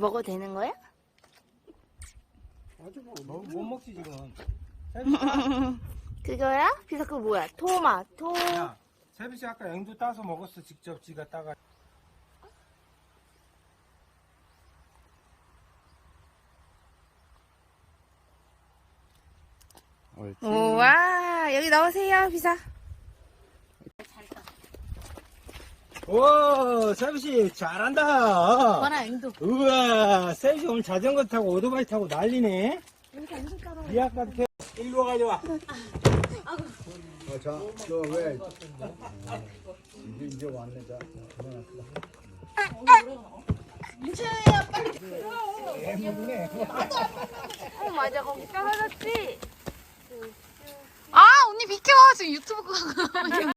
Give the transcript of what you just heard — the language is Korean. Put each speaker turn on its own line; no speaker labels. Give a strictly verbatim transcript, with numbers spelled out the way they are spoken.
먹어도 되는 거야?
아주 뭐, 뭐, 못 먹지 지금.
그거야? 비서 그거 뭐야? 토마토.
야, 세비씨 아까 앵두 따서 먹었어. 직접 지가 따가.
우와, 여기 나오세요, 비서.
오, 세비씨 잘한다.
봐라, 앵두.
우와, 세비씨 오늘 자전거 타고 오토바이 타고 난리네. 이 아까 일로 와가지고.
어, 자, 너 왜? 이제, 이제 왔네, 자. 그만합시다.
어, 맞아. 거기 떨어졌지?
아, 언니 비켜. 지금 유튜브